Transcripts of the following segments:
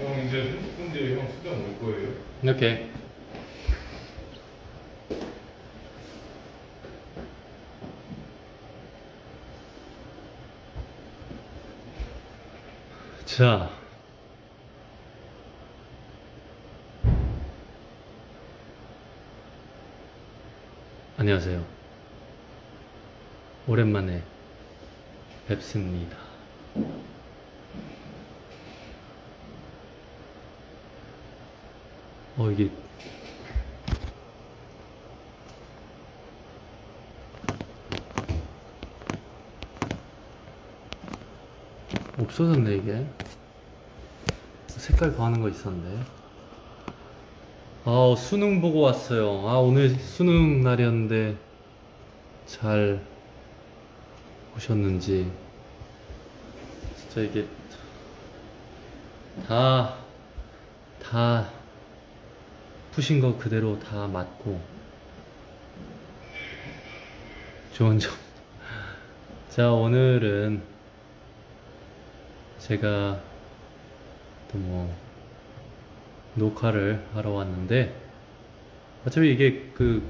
형 이제 30분 뒤에 형 수정 올 거예요. 이렇게. 자. 안녕하세요. 오랜만에 뵙습니다. 이게 없어졌네. 이게 색깔 변하는 거 있었는데. 수능 보고 왔어요. 오늘 수능 날이었는데 잘 보셨는지. 진짜 이게 다 푸신 거 그대로 다 맞고 좋은 점. 자, 오늘은 제가 또 녹화를 하러 왔는데, 어차피 이게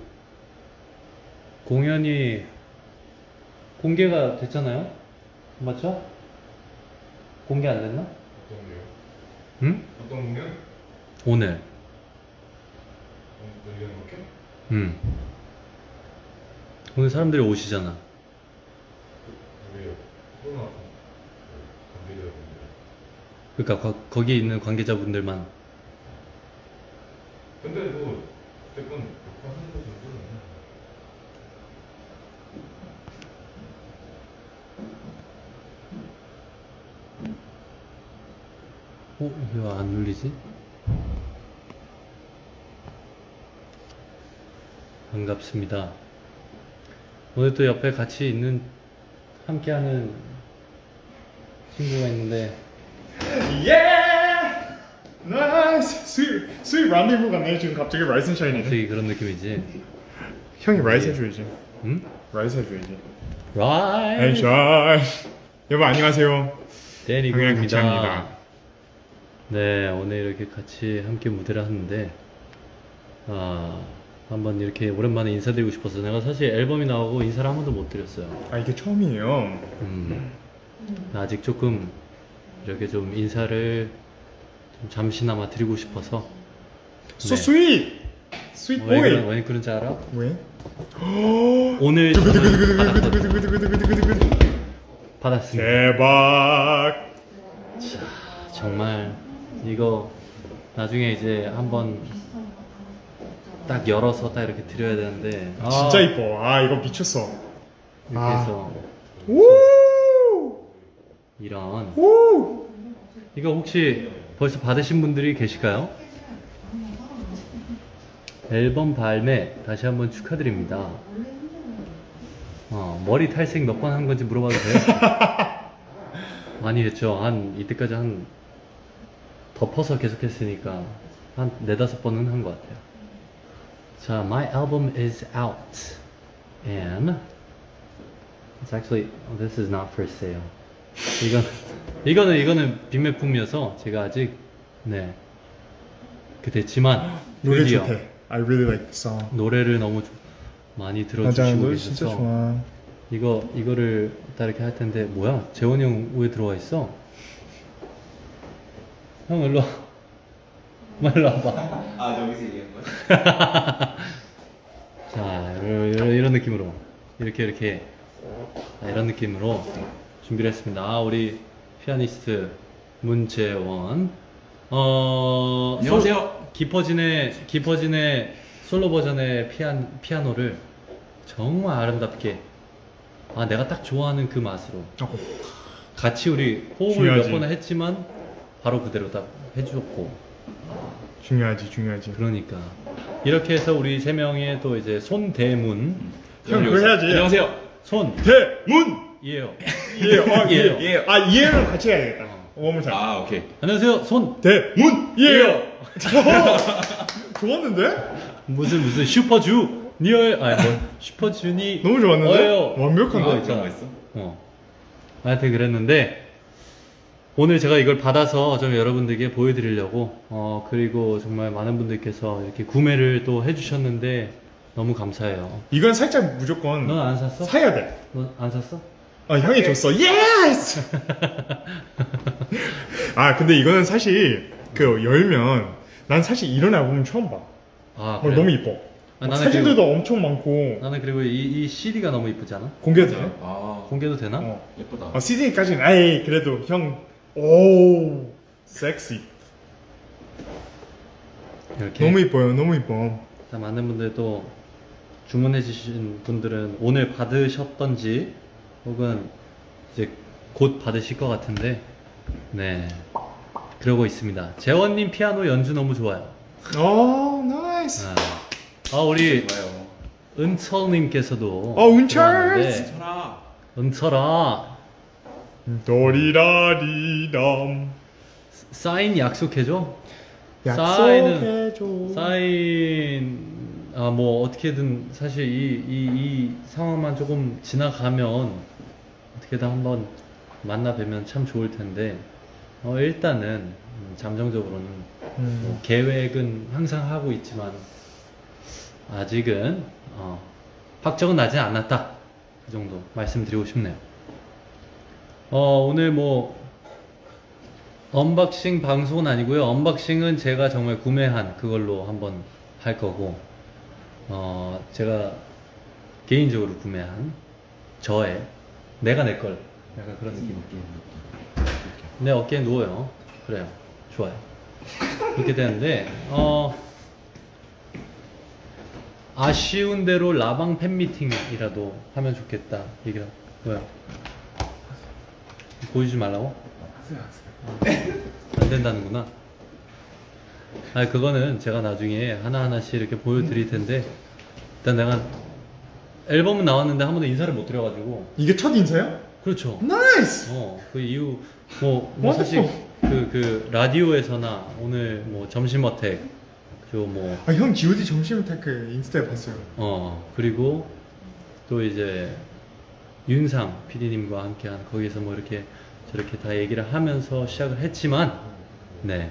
공연이 공개가 됐잖아요? 맞죠? 공개 안 됐나? 어떤 거요? 응? 어떤 공연? 오늘. 이렇게? 응. 오늘 사람들이 오시잖아. 왜요? 코로나 관계자분들. 그러니까 거기 있는 관계자분들만. 근데 어쨌건 녹화하는 거 정도는 이게 왜 안 눌리지? 반갑습니다. 오늘 또 옆에 같이 함께하는 친구가 있는데. 예! 나이스! 스윗 란데부 같네. 지금 갑자기 라이스 앤 샤이니네. 갑자기 그런 느낌이지? 형이 라이스 해줘야지. 응? 라이스 해줘야지. 라이! 앤 샤이. 여러분 안녕하세요. 데니 형이랑 구입니다. 같이 합니다. 네, 오늘 이렇게 같이 함께 무대를 하는데, 한번 이렇게 오랜만에 인사드리고 싶어서. 내가 사실 앨범이 나오고 인사를 한 번도 못 드렸어요. 이게 처음이에요. 아직 조금 이렇게 좀 인사를 좀 잠시나마 드리고 싶어서. So sweet! Sweet boy! 왜 그런지 알아? 왜? 오늘 받았습니다. 대박! 정말 이거 나중에 이제 한번 딱 열어서 딱 이렇게 드려야 되는데. 진짜 이뻐. 이거 미쳤어. 이렇게 해서 우! 이런. 우! 이거 혹시 벌써 받으신 분들이 계실까요? 앨범 발매 다시 한번 축하드립니다. 머리 탈색 몇 번 한 건지 물어봐도 돼요? 많이 했죠. 이때까지 덮어서 계속 했으니까 한 4-5번은 한 것 같아요. 자, my album is out and it's actually, this is not for sale. 이거는 빅매품이어서 제가 아직 됐지만 노래 드디어 좋대. I really like the song. 노래를 너무 많이 맞아, 들어주시고 노래 진짜 계셔서 좋아. 이거를 딱 이렇게 할 텐데. 뭐야? 재원이 형 왜 들어와 있어? 형 일로 와. 일로 와봐. 여기서 얘기한 거야? 자, 이런 느낌으로 이렇게 이런 느낌으로 준비를 했습니다. 우리 피아니스트 문재원. 안녕하세요. 깊어진의 솔로 버전의 피아노를 정말 아름답게, 내가 딱 좋아하는 그 맛으로 같이 우리 호흡을 중요하지. 몇 번 했지만 바로 그대로 딱 해주었고. 중요하지. 그러니까 이렇게 해서 우리 3명의 또 이제 손대문. 형 그거 해야지. 안녕하세요. 대문! 이에요. 예. 예. 이해를 같이 해야겠다. 원물 잘. 오케이. 안녕하세요. 손. 대문! 예! 좋았는데? 무슨 슈퍼주 니얼 슈퍼주니. 너무 좋았는데? 완벽한 이거 거 있잖아. 그런 거 있어? 하여튼 그랬는데, 오늘 제가 이걸 받아서 좀 여러분들께 보여드리려고 그리고 정말 많은 분들께서 이렇게 구매를 또 해주셨는데 너무 감사해요. 이건 살짝 무조건 넌 안 샀어? 사야 돼. 너 안 샀어? 아, 형이 줬어. 예스! 아, 근데 이거는 사실 그 열면 난 사실 이런 앨범 처음 봐. 아 어, 너무 이뻐. 아, 막 나는 사진들도 엄청 많고. 나는 그리고 이 CD가 너무 이쁘지 않아? 공개도 돼? 아, 공개도 되나? 어. 예쁘다. CD까지는 아이 그래도 형 오, 섹시. 이렇게 너무 이뻐요. 너무 이뻐. 자, 많은 분들도 주문해주신 분들은 오늘 받으셨던지 혹은 이제 곧 받으실 것 같은데 네 그러고 있습니다. 재원님 피아노 연주 너무 좋아요. 오, 나이스. 우리 좋아요. 은철님께서도 은철! 들어왔는데, 천아. 은철아 도리라리람. 사인 약속해줘. 약속해줘. 사인 뭐 어떻게든 사실 이 상황만 조금 지나가면 어떻게든 한번 만나 뵈면 참 좋을 텐데 일단은 잠정적으로는 뭐 계획은 항상 하고 있지만 아직은 확정은 나지 않았다 그 정도 말씀드리고 싶네요. 오늘 뭐 언박싱 방송은 아니고요. 언박싱은 제가 정말 구매한 그걸로 한번 할 거고 제가 개인적으로 구매한 저의 내가 내 걸 약간 그런 느낌. 내 어깨에 누워요. 그래요. 좋아요. 이렇게 되는데 아쉬운 대로 라방 팬미팅이라도 하면 좋겠다 얘기를 뭐야? 보여주지 말라고? 안 된다는구나. 그거는 제가 나중에 하나하나씩 이렇게 보여드릴 텐데 일단 내가 앨범은 나왔는데 한 번도 인사를 못 드려가지고. 이게 첫 인사야? 그렇죠. 나이스. 그 이후 뭐 사실 그 라디오에서나 오늘 뭐 점심 어택 뭐 아, 형 G.O.D 점심 테크 인스타에 봤어요. 그리고 또 이제 윤상 PD님과 함께한 거기서 뭐 이렇게 저렇게 다 얘기를 하면서 시작을 했지만 네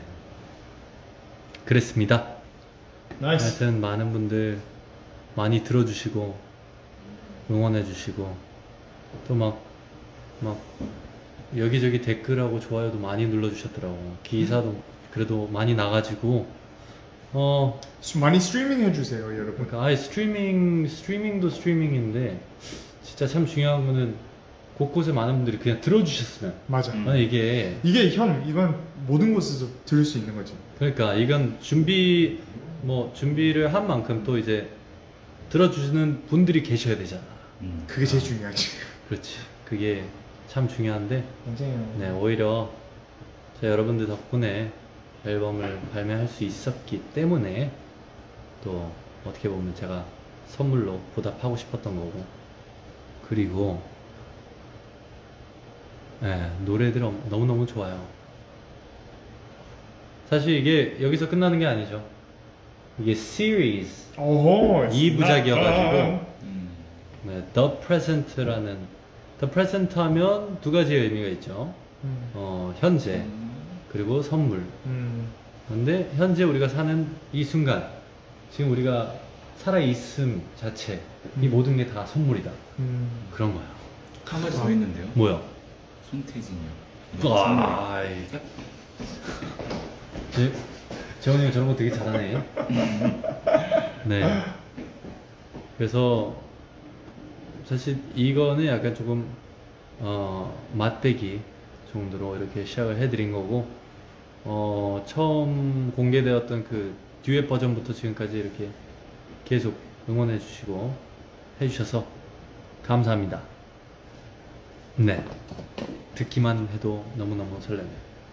그랬습니다. 나이스. 하여튼 많은 분들 많이 들어주시고 응원해주시고 또 막 여기저기 댓글하고 좋아요도 많이 눌러주셨더라고. 기사도 그래도 많이 나가지고 많이 스트리밍 해주세요, 여러분. 그러니까 아예 스트리밍도 스트리밍인데 진짜 참 중요한 거는 곳곳에 많은 분들이 그냥 들어주셨으면. 맞아. 이게 이건 모든 곳에서 들을 수 있는 거지. 그러니까 이건 준비를 한 만큼 또 이제 들어주시는 분들이 계셔야 되잖아. 그게 제일 중요하지. 그렇지. 그게 참 중요한데 맞아요. 네 오히려 제가 여러분들 덕분에 앨범을 발매할 수 있었기 때문에 또 어떻게 보면 제가 선물로 보답하고 싶었던 거고 그리고 네, 노래들 너무너무 좋아요. 사실 이게 여기서 끝나는 게 아니죠. 이게 시리즈 오호. 2부작이어가지고 음. 네, The Present라는 The Present 하면 두 가지의 의미가 있죠. 현재 그리고 선물. 근데 현재 우리가 사는 이 순간 지금 우리가 살아있음 자체 이 모든 게 다 선물이다. 그런 거야. 한 가지 더 있는데요. 뭐야? 손태진이요. 와, 재원이 형 저런 거 되게 잘하네. 네. 그래서 사실 이거는 약간 조금 맛배기 정도로 이렇게 시작을 해드린 거고 처음 공개되었던 그 듀엣 버전부터 지금까지 이렇게 계속 응원해 주시고 해주셔서 감사합니다. 네. 듣기만 해도 너무너무 설레네요.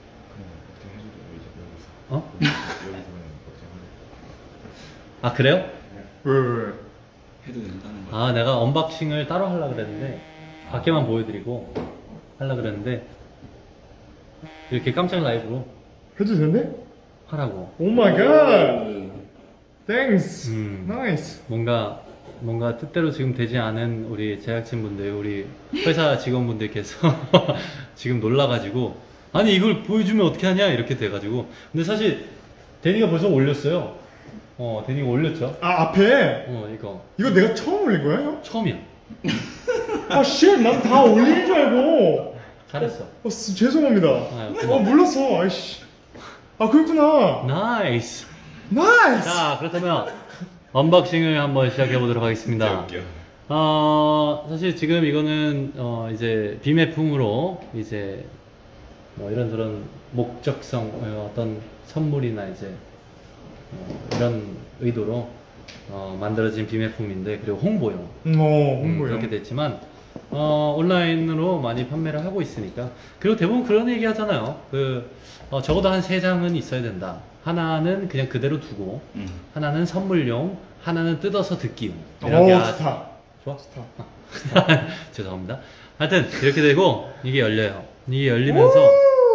아 그래요? 왜? 해도 된다는 거. 내가 언박싱을 따로 하려고 그랬는데 밖에만 보여드리고 하려고 그랬는데 이렇게 깜짝 라이브로 해도 되네? 하라고. 오 마이 갓. 땡스. 음. 나이스. 뭔가 뜻대로 지금 되지 않은 우리 제작진분들, 우리 회사 직원분들께서 지금 놀라가지고 아니 이걸 보여주면 어떻게 하냐 이렇게 돼가지고. 근데 사실 데니가 벌써 올렸어요. 데니가 올렸죠. 아 앞에 이거 이거 내가 처음 올린 거야 형? 처음이야. 아 쉣, 난 다 올린 줄 알고. 잘했어. 죄송합니다. 고마워. 몰랐어. 아이씨. 아 그렇구나. 나이스. 나이스. 자 그렇다면 언박싱을 한번 시작해 보도록 하겠습니다. 웃겨. 사실 지금 이거는 이제 비매품으로 이제 뭐 이런저런 목적성 어떤 선물이나 이제 이런 의도로 만들어진 비매품인데, 그리고 홍보용 홍보요. 그렇게 됐지만 온라인으로 많이 판매를 하고 있으니까. 그리고 대부분 그런 얘기 하잖아요. 적어도 한 3장은 있어야 된다. 하나는 그냥 그대로 두고, 하나는 선물용, 하나는 뜯어서 듣기용. 이렇게 좋다. 좋아? 좋다. 죄송합니다. 하여튼 이렇게 되고 이게 열려요. 이게 열리면서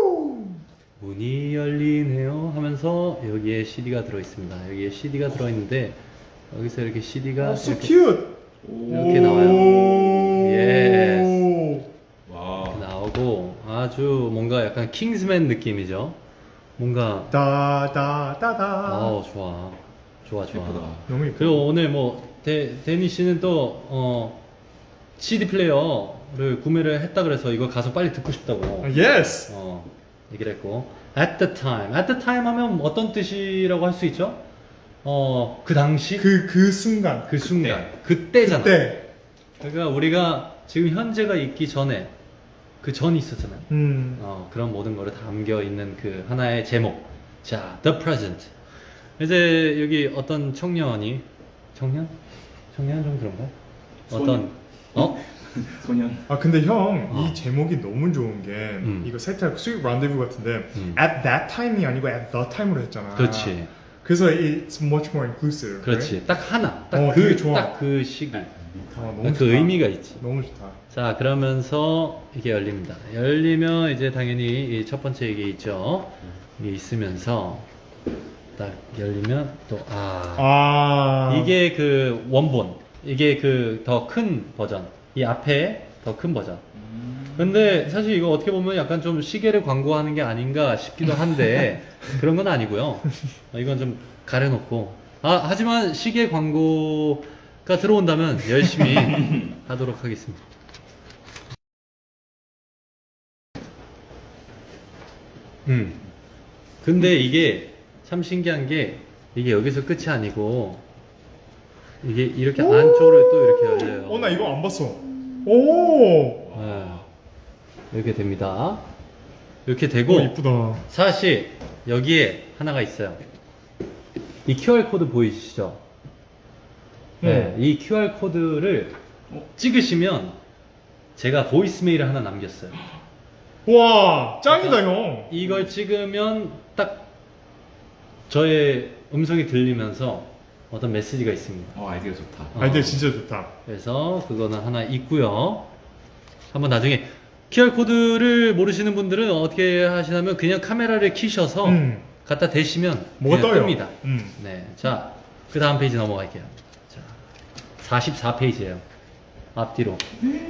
문이 열리네요 하면서 여기에 CD가 들어있습니다. 여기에 CD가 들어있는데 여기서 이렇게 CD가 so 이렇게, cute. 이렇게 나와요. 예스. 와. 이렇게 나오고 아주 뭔가 약간 킹스맨 느낌이죠. 뭔가 다다다다. 좋아. 좋아. 예쁘다. 너무 예뻐. 그리고 오늘 뭐 데니 씨는 또 CD 플레이어를 구매를 했다 그래서 이거 가서 빨리 듣고 싶다고 예스. 얘기를 했고, at the time 하면 어떤 뜻이라고 할 수 있죠? 그 당시 그 순간. 그 순간 그때잖아. 그때. 그러니까 우리가 지금 현재가 있기 전에 그 전이 있었잖아요. 그런 모든 거를 담겨 있는 그 하나의 제목. 자, the present. 이제 여기 어떤 청년이 청년 좀 그런가? 소년. 아 근데 형 이 제목이 너무 좋은 게 이거 세탈 스윗 란데부 같은데 at that time이 아니고 at the time으로 했잖아. 그렇지. 그래서 it's much more inclusive. 그렇지. right? 딱 하나. 되게 좋아. 딱 그 시기. 너무 그 좋다. 의미가 있지. 너무 좋다. 자, 그러면서 이게 열립니다. 열리면 이제 당연히 이 첫 번째 이게 있죠. 이게 있으면서 딱 열리면 또 이게 그 원본, 이게 그 더 큰 버전, 이 앞에 더 큰 버전. 근데 사실 이거 어떻게 보면 약간 좀 시계를 광고하는 게 아닌가 싶기도 한데 그런 건 아니고요. 이건 좀 가려놓고. 하지만 시계 광고가 들어온다면 열심히 하도록 하겠습니다. 근데 이게 참 신기한 게 이게 여기서 끝이 아니고 이게 이렇게 안쪽으로 또 이렇게 열려요. 나 이거 안 봤어. 오. 네. 이렇게 됩니다. 이렇게 되고 이쁘다. 사실 여기에 하나가 있어요. 이 QR 코드 보이시죠? 네, 이 QR 코드를 찍으시면 제가 보이스메일을 하나 남겼어요. 와 짱이다 형. 이걸 찍으면 딱 저의 음성이 들리면서 어떤 메시지가 있습니다. 아이디어 좋다. 아이디어 진짜 좋다. 그래서 그거는 하나 있고요. 한번 나중에 QR 코드를 모르시는 분들은 어떻게 하시냐면 그냥 카메라를 켜셔서 갖다 대시면 뭐가 그냥 떠요? 뜹니다. 네, 자, 그 다음 페이지 넘어갈게요. 자, 44페이지예요. 앞뒤로.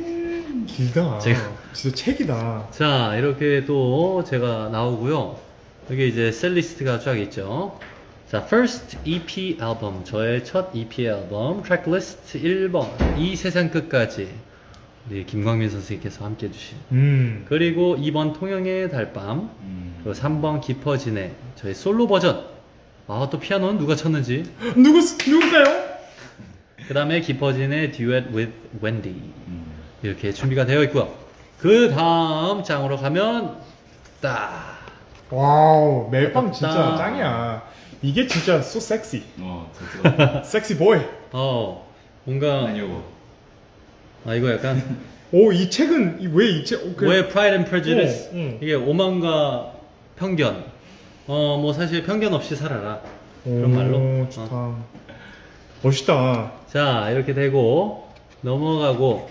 길다. 제가- 진짜 책이다. 자, 이렇게 또 제가 나오고요. 여기 이제 셀리스트가 쫙 있죠. 자, first EP 앨범, 저의 첫 EP 앨범, 트랙리스트 1번, 이 세상 끝까지 우리 김광민 선생님께서 함께 해주신. 그리고 2번 통영의 달밤, 그리고 3번 깊어지네, 저의 솔로 버전. 또 피아노는 누가 쳤는지. 누굴까요? 그 다음에 깊어지네 Duet with Wendy. 이렇게 준비가 되어 있고요. 그 다음 장으로 가면 딱 와우 멜빵 진짜 아깝다. 짱이야. 이게 진짜 so sexy. 잘 들어. 섹시 보이. 뭔가 아니요. 이거 약간 이 책은 왜 이 책? 왜 Pride and Prejudice? 응. 이게 오만과 편견. 뭐 사실 편견 없이 살아라. 그런 말로. 좋다. 멋있다. 자, 이렇게 되고 넘어가고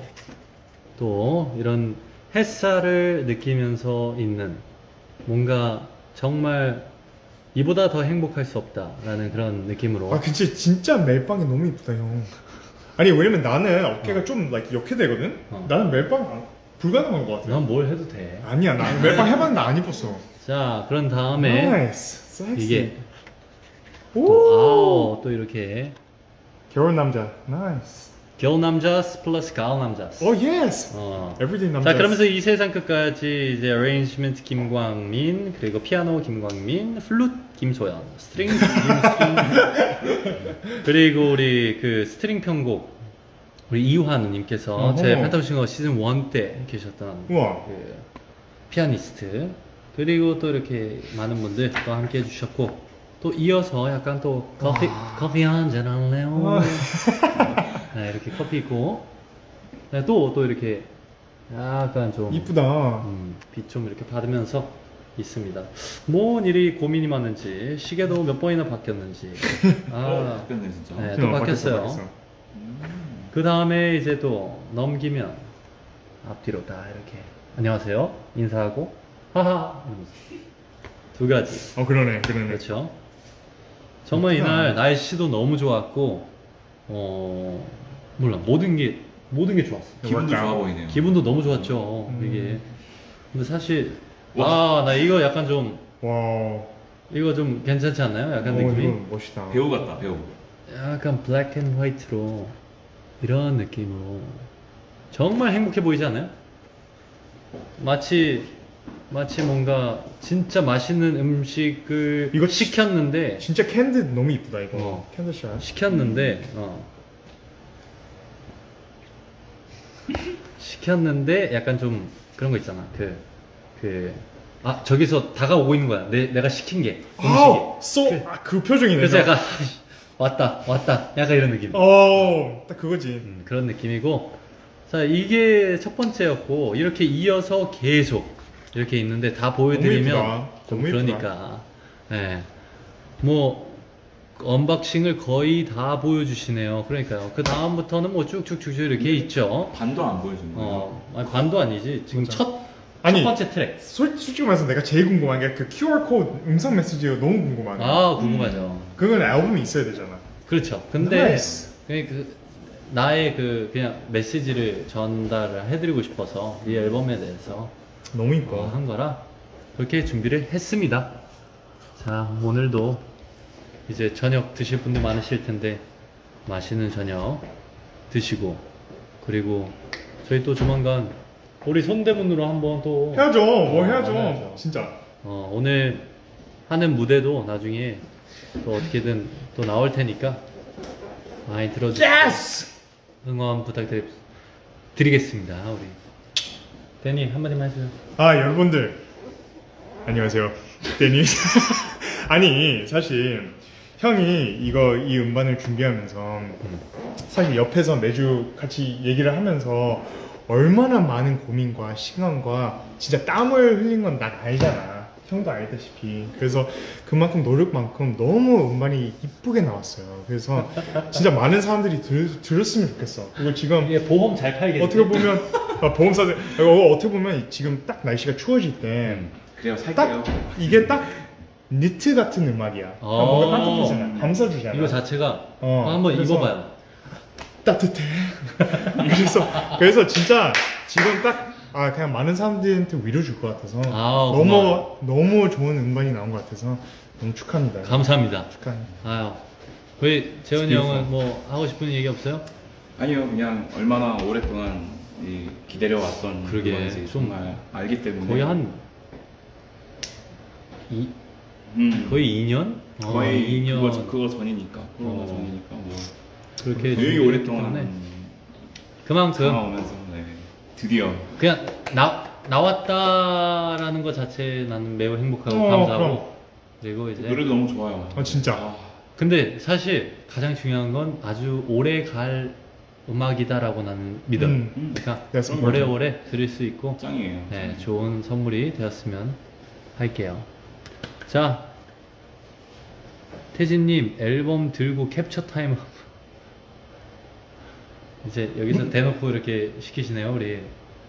또 이런 햇살을 느끼면서 있는 뭔가 정말 이보다 더 행복할 수 없다라는 그런 느낌으로. 근데 진짜 멜빵이 너무 이쁘다 형. 아니 왜냐면 나는 어깨가 좀 like 이렇게 되거든. 나는 멜빵 불가능한 것 같아. 넌 뭘 해도 돼. 아니야, 나 매번 해봤는데 안 입었어. 자, 그런 다음에 나이스, 섹시. 이게 오, 또 이렇게 겨울 남자, 나이스. 겨울 남자 플러스 가을 남자. 오, 예스. 어. Everyday 남자. 자, 그러면서 이 세상 끝까지 이제 어레인지먼트 김광민, 그리고 피아노 김광민, 플룻 김소연, 스트링 김수진, 그리고 우리 그 스트링 편곡 우리 이유하 누님께서 제 어허. 펜타곤 시즌 1 때 계셨던 우와. 그 피아니스트, 그리고 또 이렇게 많은 분들 또 함께 해주셨고, 또 이어서 약간 또 커피 한잔 할래요? 네, 이렇게 커피 있고, 네, 또 이렇게 약간 좀 이쁘다. 빛 좀 이렇게 받으면서 있습니다. 뭔 일이 고민이 많은지, 시계도 몇 번이나 바뀌었는지. 바뀌었네 진짜. 네, 또 바뀌었어요. 그 다음에 이제 또 넘기면 앞뒤로 다 이렇게 안녕하세요 인사하고 하하 이러면서 두 가지. 그러네. 그렇죠. 정말 그렇구나. 이날 날씨도 너무 좋았고, 몰라, 모든 게 좋았어. 기분도 맞다. 좋아 보이네요. 기분도 너무 좋았죠, 이게. 근데 사실, 와. 나 이거 약간 좀, 와. 이거 좀 괜찮지 않나요? 약간 느낌이? 이거 멋있다. 배우 같다 배우. 약간 블랙 앤 화이트로, 이런 느낌으로. 정말 행복해 보이지 않아요? 마치 뭔가 진짜 맛있는 음식을 이거 시켰는데, 진짜 캔디 너무 이쁘다 이거. 캔디샷. 시켰는데 약간 좀 그런 거 있잖아. 저기서 다가오고 있는 거야. 내가 시킨 게 음식이. 그 표정이네. 그래서 약간 왔다 약간 이런 느낌. 딱 그거지. 그런 느낌이고, 자, 이게 첫 번째였고, 이렇게 이어서 계속 이렇게 있는데 다 보여드리면 너무 좀 이쁘다. 그러니까, 예, 뭐 언박싱을 거의 다 보여주시네요. 그러니까요. 그 다음부터는 뭐 쭉쭉쭉 이렇게 있죠. 반도 안 보여주는 거예요. 아니, 반도 아니지. 지금 맞아. 첫 아니, 번째 트랙. 솔직히 말해서 내가 제일 궁금한 게 그 QR 코드 음성 메시지가 너무 궁금하네. 궁금하죠. 그건 앨범이 있어야 되잖아. 그렇죠. 근데 나이스. 나의 그냥 메시지를 전달을 해드리고 싶어서 이 앨범에 대해서 너무 이뻐. 한 거라 그렇게 준비를 했습니다. 자, 오늘도 이제 저녁 드실 분들 많으실 텐데 맛있는 저녁 드시고, 그리고 저희 또 조만간 우리 손대문으로 한번 또 해야죠. 뭐 해야죠. 해야죠. 진짜. 오늘 하는 무대도 나중에 또 어떻게든 또 나올 테니까 많이 들어주시고 응원 부탁드리겠습니다. 우리 데니 한마디만 해주세요. 여러분들 안녕하세요. 데니. 아니 사실 형이 이 음반을 준비하면서 사실 옆에서 매주 같이 얘기를 하면서 얼마나 많은 고민과 시간과 진짜 땀을 흘린 건 난 알잖아. 형도 알다시피. 그래서 그만큼 노력만큼 너무 음반이 이쁘게 나왔어요. 그래서 진짜 많은 사람들이 들었으면 좋겠어. 그리고 지금 이게 보험 잘 팔겠지? 어떻게 보면 보험사들 어떻게 보면 지금 딱 날씨가 추워질 때 그래요 살게요. 이게 딱 니트 같은 음악이야. 뭔가 따뜻하잖아. 감싸주잖아. 이거 자체가 한번 그래서 입어봐요. 따뜻해. 그래서 진짜 지금 딱 그냥 많은 사람들한테 위로 줄 것 같아서 너무 좋은 음반이 나온 것 같아서 너무 축하합니다. 감사합니다. 축하합니다. 우리 재훈이 형은 뭐 하고 싶은 얘기 없어요? 아니요 그냥 얼마나 오랫동안 기다려왔던 그러게, 그건지 좀 정말 알기 때문에 거의 한 거의 2년? 거의 2년 그거 전이니까 코로나 전이니까 뭐 그렇게 되게 준비했기 오랫동안 때문에 그만큼 참아오면서 드디어 그냥 나왔다라는 것 자체 나는 매우 행복하고 감사하고 그럼. 그리고 이제 노래도 너무 좋아요. 진짜. 근데 사실 가장 중요한 건 아주 오래 갈 음악이다라고 나는 믿어요. 그러니까 That's important. 오래오래 들을 수 있고 짱이에요. 네, 좋은 선물이 되었으면 할게요. 자, 태진님 앨범 들고 캡처 타임 이제 여기서 대놓고 이렇게 시키시네요. 우리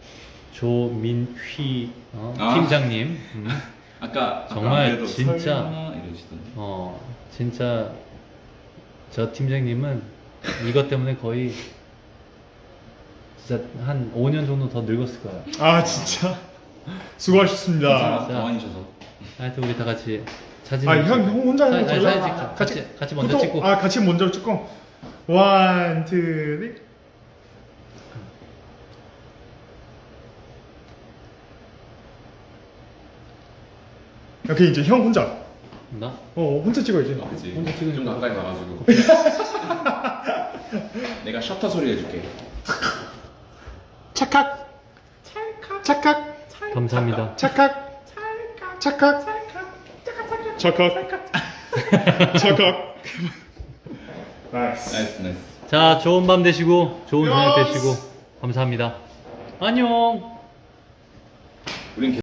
조민휘 팀장님. 아까 정말 그래도 진짜 설마 이러시던데. 진짜 저 팀장님은 이것 때문에 거의 진짜 한 5년 정도 더 늙었을 거예요. 아 진짜 수고하셨습니다. 괜찮아, 가만히 있어서. 하여튼 우리 다 같이 사진. 형 혼자 하는 거 사진 몰라. 찍자. 같이 먼저 찍고. 아 같이 먼저 찍고. 1, 2, 3. 오케이 이제 형 혼자. 나? 혼자 찍어야지. 그치. 혼자 찍으니까. 좀 가까이 가가지고. 내가 셔터 소리 해줄게. 착각. 착각. 감사합니다. 착각. 착각. 착각. 착각. 나이스. 나이스 나이스. 자, 좋은 밤 되시고, 좋은 저녁 야스. 되시고, 감사합니다. 안녕! 우린